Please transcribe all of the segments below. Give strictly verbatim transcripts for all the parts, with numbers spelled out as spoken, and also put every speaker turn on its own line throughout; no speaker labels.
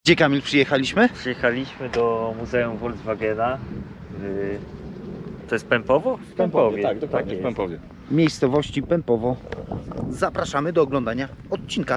Gdzie, Kamil, przyjechaliśmy?
Przyjechaliśmy do Muzeum Volkswagena. Yy, to jest Pępowo? W
Pępowie, tak, dokładnie,
jest.
w Pępowie.
Miejscowości Pępowo. Zapraszamy do oglądania odcinka.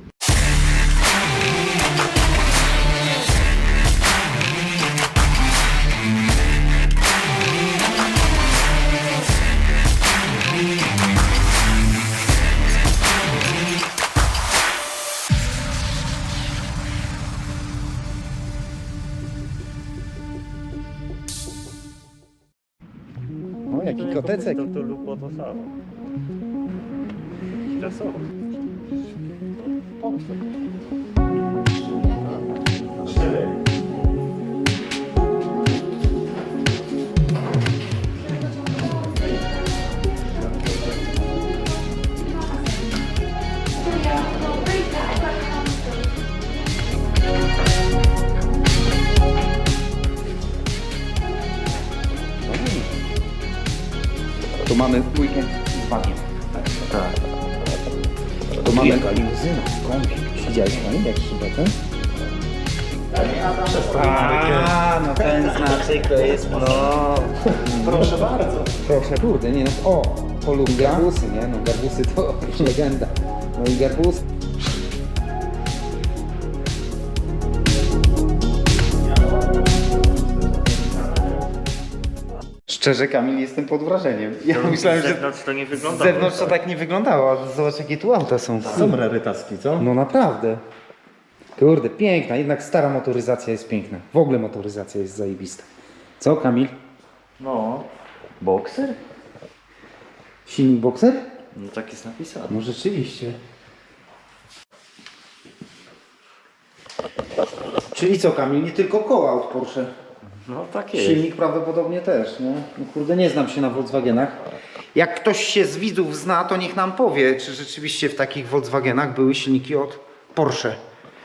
O, jaki kotecek.
To, to lub to samo. Czasowo.
Tu mamy weekend z bagiem. Tak. Tu mamy limuzyna, kąpiel. Widziałeś, Kamil, jak szybę? A, no ten znaczek to jest, no...
Proszę bardzo.
Proszę, kurde, nie no, o, polu garbusy, nie? No garbusy to legenda. No i garbusy. Szczerze, Kamil, jestem pod wrażeniem. Ja
To
myślałem,
z
że
zewnątrz to nie
z
wygląda.
zewnątrz to tak nie wyglądało, ale zobacz, jakie tu auta są.
Są rarytaski, co?
No naprawdę. Kurde, piękna, jednak stara motoryzacja jest piękna. W ogóle motoryzacja jest zajebista. Co, Kamil?
No. Boxer?
Silnik Boxer?
No tak jest napisane.
No rzeczywiście. Czyli co, Kamil, nie tylko koła od Porsche.
No tak jest.
Silnik prawdopodobnie też, nie? No kurde, nie znam się na Volkswagenach. Jak ktoś się z widzów zna, to niech nam powie, czy rzeczywiście w takich Volkswagenach były silniki od Porsche.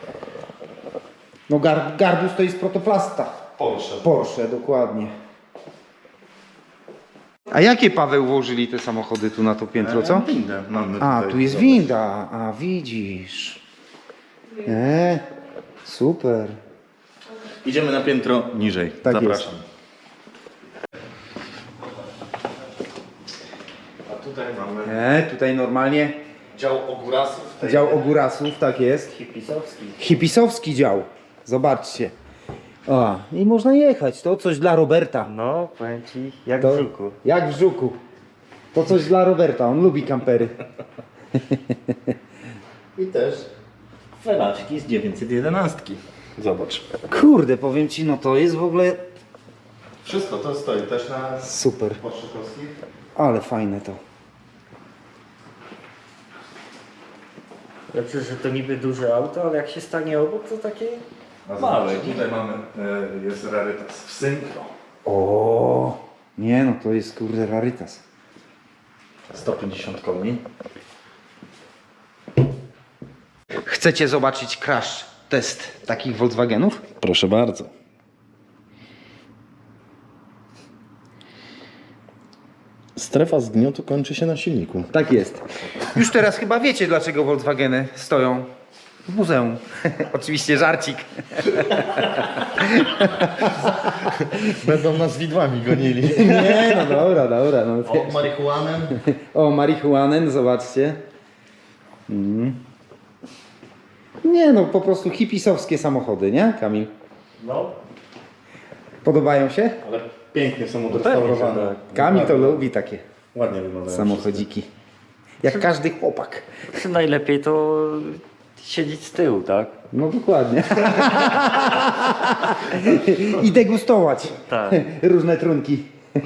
No gar, garbus to jest protoplasta.
Porsche.
Porsche, dokładnie. A jakie, Paweł, włożyli te samochody tu na to piętro, co?
Windę mamy
A,
tutaj.
tu jest winda. A, widzisz. E, super.
Idziemy na piętro niżej.
Tak
Zapraszam. A tutaj mamy
E, tutaj normalnie
dział ogórasów.
dział ogórasów, tak jest.
Hipisowski.
Hipisowski dział. Zobaczcie. O, i można jechać. To coś dla Roberta.
No, powiem ci, jak
To,
w żuku.
jak w żuku. To coś dla Roberta. On lubi kampery.
I też felaczki z dziewięćset jedenaście. Zobacz.
Kurde, powiem ci, no to jest w ogóle
Wszystko to stoi też na
super.
Porszykowskich.
Ale fajne to.
Lepsze, że to niby duże auto, ale jak się stanie obok, to takie
A
małe.
zobacz, tutaj mamy, e, jest rarytas w synchro.
O, nie no, to jest kurde rarytas.
sto pięćdziesiąt koni.
Chcecie zobaczyć crash test takich Volkswagenów?
Proszę bardzo. Strefa zgniotu kończy się na silniku.
Tak jest. Już teraz chyba wiecie, dlaczego Volkswageny stoją w muzeum. Oczywiście żarcik.
Będą nas widłami gonili.
Nie, no dobra, dobra. No.
O, marihuanem.
O, marihuanen, zobaczcie. Mm. Nie no, po prostu hipisowskie samochody, nie, Kamil?
No,
Podobają się? Ale pięknie są odrestaurowane.
tak.
Kamil to
Ładnie.
lubi takie
Ładnie wyglądają.
samochodziki. Jak każdy chłopak.
czy najlepiej to siedzieć z tyłu, tak?
No dokładnie. I degustować
Tak.
różne trunki.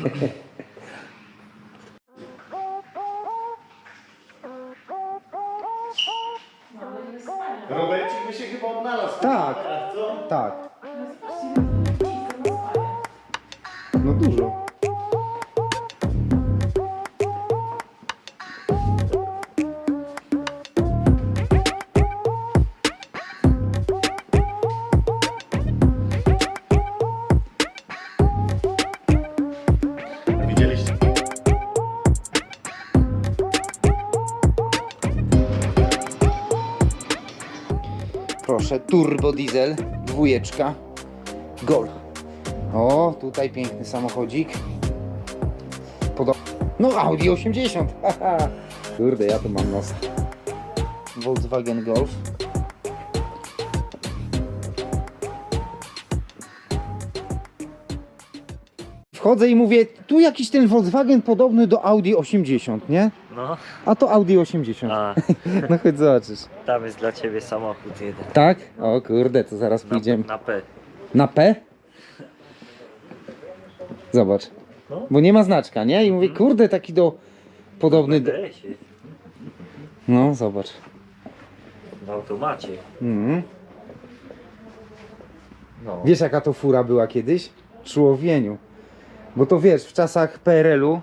Robercik by się chyba odnalazł.
Tak, tak. No dużo.
Widzieliście?
Proszę, turbo diesel dwójeczka. Golf. O, tutaj piękny samochodzik. Podo no Audi osiemdziesiąt. Haha. Kurde, ja tu mam nos. Volkswagen Golf. Wchodzę i mówię, tu jakiś ten Volkswagen podobny do Audi osiemdziesiąt, nie?
No,
A to Audi osiemdziesiąt.
a
No chodź zobaczysz.
tam jest dla ciebie samochód jeden.
Tak? O kurde, to zaraz
Na,
pójdziemy.
na P.
Na P? Zobacz.
No.
Bo nie ma znaczka, nie? I mówię, kurde, taki do... Podobny do...
B D S-ie.
No, zobacz.
W automacie.
Mhm.
No.
Wiesz jaka to fura była kiedyś? Człowieniu. Bo to wiesz, w czasach P R L u,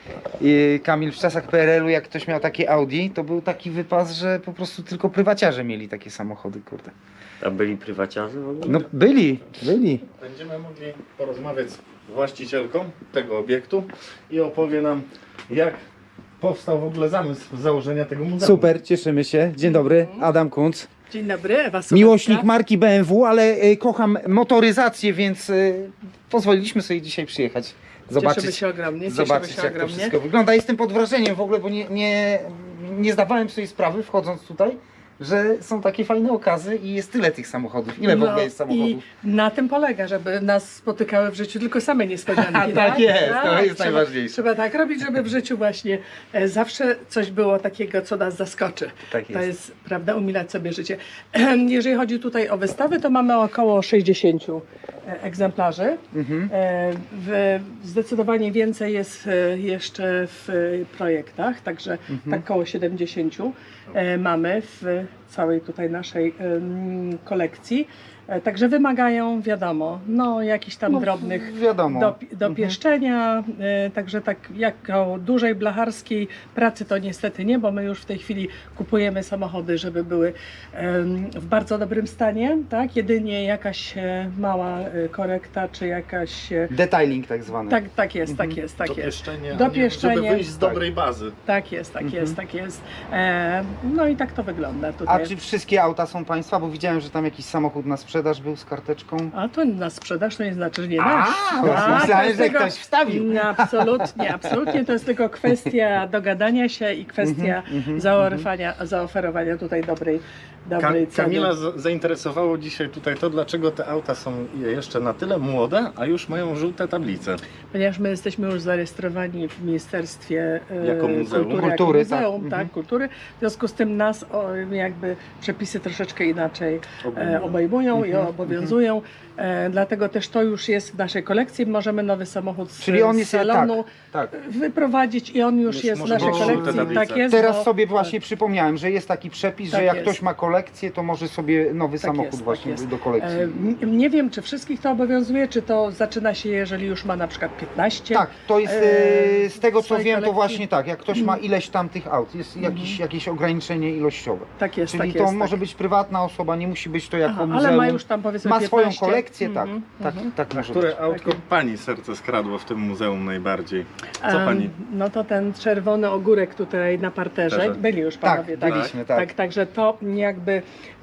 i Kamil, w czasach P R L u jak ktoś miał takie Audi, to był taki wypas, że po prostu tylko prywaciarze mieli takie samochody, kurde.
Tam byli prywaciarze w ogóle?
No byli, byli.
Będziemy mogli porozmawiać z właścicielką tego obiektu i opowie nam, jak powstał w ogóle zamysł założenia tego muzeum.
Super, cieszymy się. Dzień dobry, Adam Kunc.
Dzień dobry, Ewa Sobecka.
Miłośnik marki B M W, ale y, kocham motoryzację, więc y, pozwoliliśmy sobie dzisiaj przyjechać.
Cieszymy
Zobaczyć,
się ogromnie,
zobaczyć
cieszymy się
jak to
ogromnie.
wszystko wygląda. Jestem pod wrażeniem w ogóle, bo nie, nie, nie zdawałem sobie sprawy wchodząc tutaj, że są takie fajne okazy i jest tyle tych samochodów. Ile w
No
ogóle jest samochodów?
I na tym polega, żeby nas spotykały w życiu tylko same niespodzianki.
Tak jest, to jest
trzeba,
najważniejsze.
Trzeba tak robić, żeby w życiu właśnie e, zawsze coś było takiego, co nas zaskoczy.
Tak
To
jest.
jest, prawda, umilać sobie życie. Jeżeli chodzi tutaj o wystawy, to mamy około sześćdziesięciu e, egzemplarzy.
Mhm.
E, w, zdecydowanie więcej jest e, jeszcze w e, projektach, także
Mhm.
tak około siedemdziesięciu e, mamy w całej tutaj naszej em, kolekcji. E, Także wymagają, wiadomo, no jakichś tam
No,
drobnych
wiadomo.
do, dopieszczenia, e, także tak jako dużej blacharskiej pracy to niestety nie, bo my już w tej chwili kupujemy samochody, żeby były em, w bardzo dobrym stanie, tak? Jedynie jakaś e, mała e, korekta, czy jakaś... e,
Detailing tak zwany.
Tak, tak jest, tak jest, tak jest.
Dopieszczenie, a nie,
Dopieszczenie.
żeby wyjść z dobrej bazy.
Tak jest, tak
Mhm.
jest, tak jest. E, no i tak to wygląda
A
tutaj.
czy wszystkie auta są państwa? Bo widziałem, że tam jakiś samochód na sprzedaż był z karteczką.
A to na sprzedaż to nie znaczy, że nie
A,
nasz.
właśnie myślałem,
to jest
że
tylko-
ktoś wstawił.
Nie, absolutnie, absolutnie. To jest tylko kwestia dogadania się i kwestia
Mhm, mhm,
zaoferowania, zaoferowania tutaj dobrej,
Ka
dobrej ceny.
Kamila z- zainteresowało dzisiaj tutaj to, dlaczego te auta są jeszcze na tyle młode, a już mają żółte tablice.
Ponieważ my jesteśmy już zarejestrowani w Ministerstwie e,
Jako muzeum.
Kultury,
Kultury,
jako muzeum,
tak.
tak,
Mhm.
kultury. W związku z tym nas o, jakby przepisy troszeczkę inaczej e,
Obejmują.
obejmują i
Mhm,
obowiązują. E, dlatego też to już jest w naszej kolekcji. Możemy nowy samochód z,
Czyli on
z
jest
salonu
Tak, tak.
wyprowadzić i on już
Jest-
jest w
może
naszej
mieć
kolekcji.
żółte tablice.
Tak jest,
Teraz
bo-
sobie właśnie przypomniałem, że jest taki przepis,
Tak
że jak
jest.
ktoś ma kolekcję, to może sobie nowy
Tak
samochód
jest, tak
właśnie
jest.
do kolekcji.
E, n- Nie wiem, czy wszystkich to obowiązuje, czy to zaczyna się, jeżeli już ma na przykład piętnaście.
Tak, to jest
e,
e, z tego co
swojej
wiem, to
kolekcji.
właśnie tak. Jak ktoś ma ileś tam tych aut, jest jakiś, jakieś ograniczenie ilościowe.
Tak jest,
Czyli
tak
to
jest.
może
tak.
być prywatna osoba, nie musi być to jako
Aha,
muzeum.
ale ma już tam powiedzmy
Ma swoją
piętnaście.
kolekcję, tak.
Mhm,
Tak,
mhm.
tak
A
może być.
które autko
Takie.
pani serce skradło w tym muzeum najbardziej? Co
Em,
pani?
No to ten czerwony ogórek tutaj na parterze.
Parterze.
Byli już
Tak,
panowie, tak?
byliśmy, tak.
Tak, także to jakby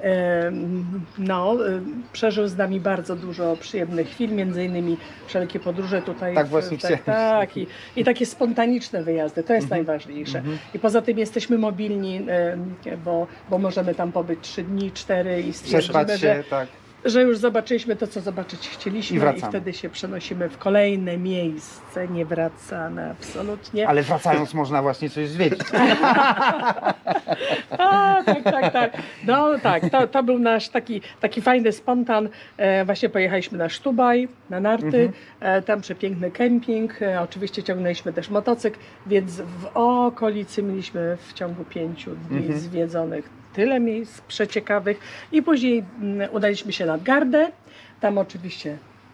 em, no, em, przeżył z nami bardzo dużo przyjemnych chwil, między innymi wszelkie podróże tutaj.
Tak
w-
właśnie
tak,
chciałem.
tak i, i takie spontaniczne wyjazdy, to jest
Mhm.
najważniejsze. I poza tym jesteśmy mobilni, em, bo, bo możemy tam pobyć trzy dni, cztery i
Przespać
stwierdzimy,
się,
że
tak.
że już zobaczyliśmy to, co zobaczyć chcieliśmy
I
i,
wracamy.
wtedy się przenosimy w kolejne miejsce, nie wracamy absolutnie.
Ale wracając można właśnie coś zwiedzić.
A, tak, tak, tak. No tak, to, to był nasz taki, taki fajny spontan. E, właśnie pojechaliśmy na Sztubaj, na narty,
Mhm.
e, tam przepiękny kemping, e, oczywiście ciągnęliśmy też motocykl, więc w okolicy mieliśmy w ciągu pięciu dni
Mhm.
zwiedzonych tyle miejsc przeciekawych i później mm, udaliśmy się nad Gardę, tam oczywiście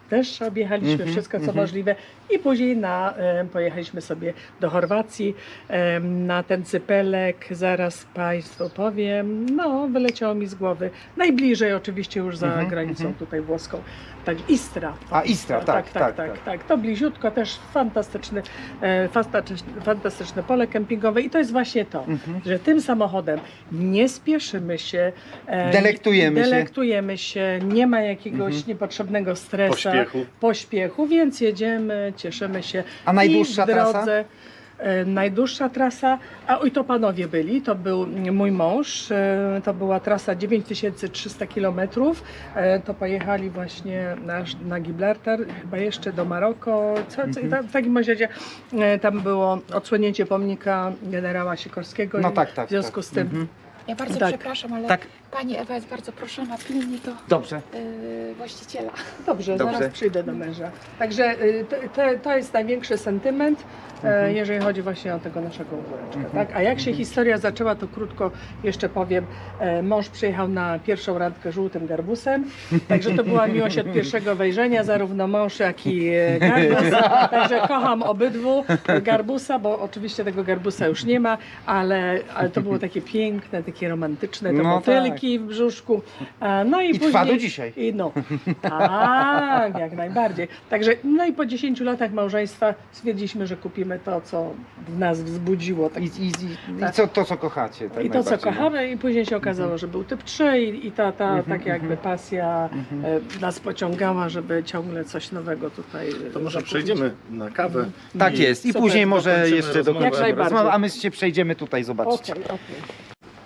też objechaliśmy
Mhm,
wszystko co
mhm.
możliwe i później na, e, pojechaliśmy sobie do Chorwacji e, na ten cypelek, zaraz Państwu powiem, no wyleciało mi z głowy, najbliżej oczywiście już za
Mhm,
granicą
mhm.
tutaj włoską, tak Istra.
A, Istra, tak,
tak, tak,
tak,
tak,
tak.
tak. To bliziutko, też fantastyczny, e, fantastyczne, fantastyczne pole kempingowe i to jest właśnie to,
Mhm.
że tym samochodem nie spieszymy się, e,
Delektujemy się.
delektujemy się, nie ma jakiegoś
Mhm.
niepotrzebnego stresu,
Pośpiechu.
pośpiechu, więc jedziemy, cieszymy się.
A najdłuższa
I w drodze,
trasa?
e, Najdłuższa trasa, a oj to panowie byli, to był mój mąż, e, to była trasa dziewięć tysięcy trzysta kilometrów, e, to pojechali właśnie na, na Gibraltar, chyba jeszcze do Maroko, co, co,
Mhm.
tam, w takim razie e, tam było odsłonięcie pomnika generała Sikorskiego
No
i
tak, tak.
w związku
tak.
z tym
Mhm.
Ja bardzo
Tak.
przepraszam, ale
Tak.
pani Ewa jest bardzo proszona pilnie do
Dobrze.
yy, właściciela.
Dobrze,
Dobrze.
zaraz przyjdę do męża. Także y, to, to, to jest największy sentyment, e,
Mhm.
jeżeli chodzi właśnie o tego naszego ogóreczka.
Mhm.
Tak? A jak się historia zaczęła, to krótko jeszcze powiem. E, mąż przyjechał na pierwszą randkę żółtym garbusem, także to była miłość od pierwszego wejrzenia, zarówno mąż, jak i e, garbus. Także kocham obydwu garbusa, bo oczywiście tego garbusa już nie ma, ale, ale to było takie piękne, takie romantyczne, te
No
motylki w brzuszku. E, no i,
I trwa
później,
do dzisiaj.
i no, tak, jak najbardziej. Także, no i po dziesięciu latach małżeństwa stwierdziliśmy, że kupimy to, co w nas wzbudziło. Tak,
I, i, i,
Tak.
I co, to, co kochacie. Tak
I to, co
najbardziej, no.
kochamy, i później się okazało, że był typ trzy i, i ta, ta
Mhm,
taka jakby
mhm.
pasja
Mhm.
e, nas pociągała, żeby ciągle coś nowego tutaj e,
To może
zakupić.
przejdziemy na kawę.
Tak jest. I
Super,
później może
dokończymy
jeszcze
rozmowę.
dokończymy
Jak najbardziej.
rozmowę, a my się przejdziemy tutaj, zobaczcie.
Okej, okej.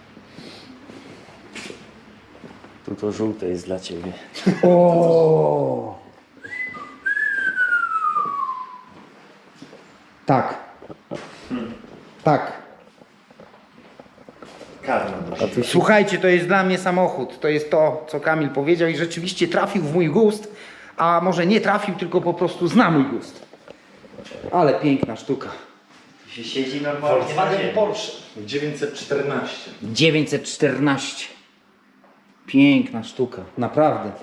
Tu to żółte jest dla ciebie.
O! Tak. Tak.
Karma.
Słuchajcie, to jest dla mnie samochód. To jest to, co Kamil powiedział i rzeczywiście trafił w mój gust, a może nie trafił, tylko po prostu zna mój gust. Ale piękna sztuka.
Tu się siedzi normalnie na
Volkswagen
ziemi.
Porsche dziewięćset czternaście.
dziewięćset czternaście. Piękna sztuka, naprawdę.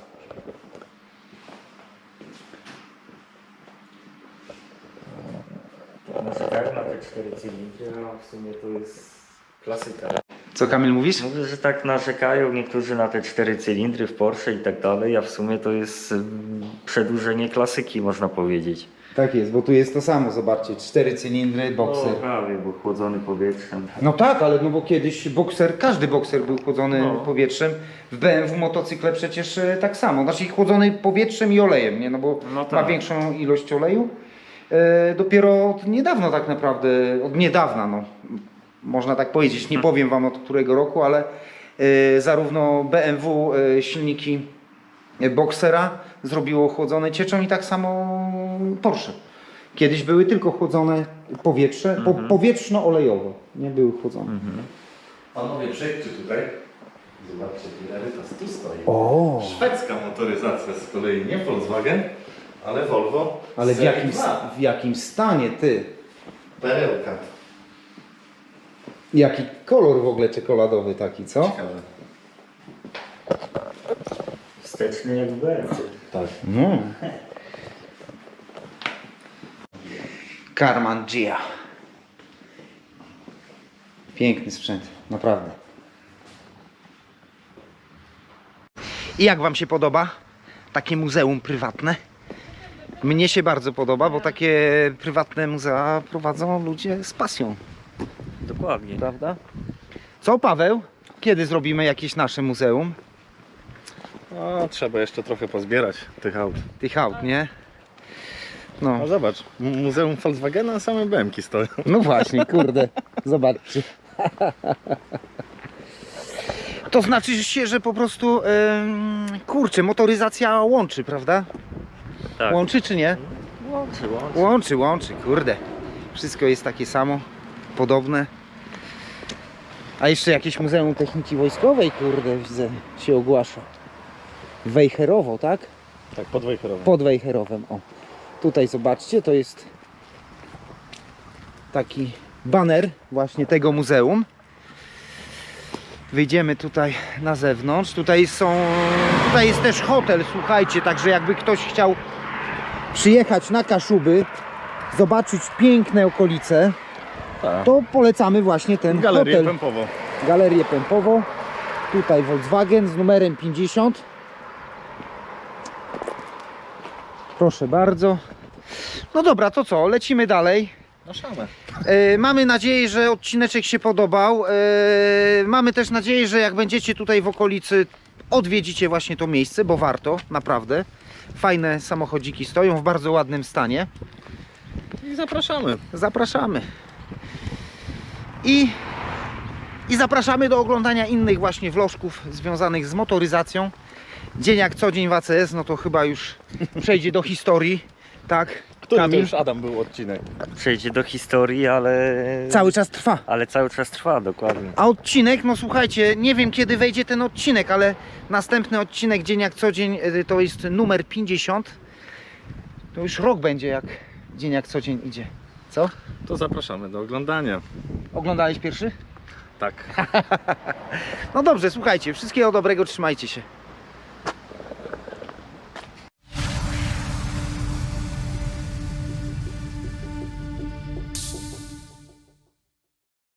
Narzekają na te cztery cylindry, a w sumie to jest klasyka.
Co Kamil mówisz?
Mówię, że tak narzekają niektórzy na te cztery cylindry w Porsche i tak dalej, a w sumie to jest ym, przedłużenie klasyki, można powiedzieć.
Tak jest, bo tu jest to samo, zobaczcie, cztery cylindry, bokser.
No, prawie, bo chłodzony powietrzem.
No tak, ale no bo kiedyś bokser, każdy bokser był chłodzony
No.
powietrzem. W B M W motocykle przecież e, tak samo, znaczy chłodzony powietrzem i olejem, nie? No bo
No
ma
tak.
większą ilość oleju. E, dopiero od niedawna tak naprawdę, od niedawna no, można tak powiedzieć, nie powiem wam od którego roku, ale e, zarówno B M W e, silniki e, boksera zrobiło chłodzone cieczą i tak samo Porsche. Kiedyś były tylko chłodzone powietrze, po, powietrzno-olejowo, nie były chłodzone.
Mhm.
Panowie, przejdźcie tutaj. Zobaczcie, Erytas tu stoi.
O!
Szwedzka motoryzacja z kolei, nie Volkswagen, ale Volvo.
Ale w
Serii
jakim,
dwa.
w jakim stanie ty?
Perełka.
Jaki kolor w ogóle czekoladowy taki, co?
Ciekawe.
Wsteczny jak w B M W.
Tak.
No. Karman Gia. Piękny sprzęt, naprawdę. I jak wam się podoba takie muzeum prywatne? Mnie się bardzo podoba, bo takie prywatne muzea prowadzą ludzie z pasją,
Dokładnie.
prawda? Co, Paweł? Kiedy zrobimy jakieś nasze muzeum
No, trzeba jeszcze trochę pozbierać tych aut.
tych aut, nie? No.
No zobacz, mu- Muzeum Volkswagena, a same B M ki stoją.
No właśnie, kurde, zobaczcie. To znaczy się, że po prostu, em, kurczę, motoryzacja łączy, prawda?
Tak.
Łączy czy nie?
Łączy, łączy.
Łączy, łączy, kurde. Wszystko jest takie samo, podobne. A jeszcze jakieś Muzeum Techniki Wojskowej, kurde, widzę, się ogłasza. Wejherowo, tak?
Tak, podwojcherowe.
Pod Wejherowem, o. Tutaj zobaczcie, to jest taki baner właśnie tego muzeum. Wyjdziemy tutaj na zewnątrz. Tutaj są, tutaj jest też hotel, słuchajcie, także jakby ktoś chciał przyjechać na Kaszuby, zobaczyć piękne okolice,
Tak.
to polecamy właśnie ten
Galerię
hotel.
Pępowo.
Galerię Pępowo. Tutaj Volkswagen z numerem pięćdziesiąt. Proszę bardzo. No dobra, to co? Lecimy dalej.
No szamę.
E, mamy nadzieję, że odcineczek się podobał. E, mamy też nadzieję, że jak będziecie tutaj w okolicy, odwiedzicie właśnie to miejsce, bo warto, naprawdę. Fajne samochodziki stoją w bardzo ładnym stanie.
I zapraszamy.
Zapraszamy. I, I zapraszamy do oglądania innych właśnie vlożków związanych z motoryzacją. Dzień jak co dzień w A C S, no to chyba już przejdzie do historii. Tak,
Który to
Kamil?
już Adam był odcinek?
Przejdzie do historii, ale...
Cały czas trwa.
Ale cały czas trwa, dokładnie.
A odcinek, no słuchajcie, nie wiem kiedy wejdzie ten odcinek, ale następny odcinek Dzień jak co dzień y, to jest numer pięćdziesiąt. To już rok będzie jak Dzień jak co dzień idzie. Co?
To zapraszamy do oglądania.
Oglądałeś pierwszy?
Tak.
No dobrze, słuchajcie, wszystkiego dobrego, trzymajcie się.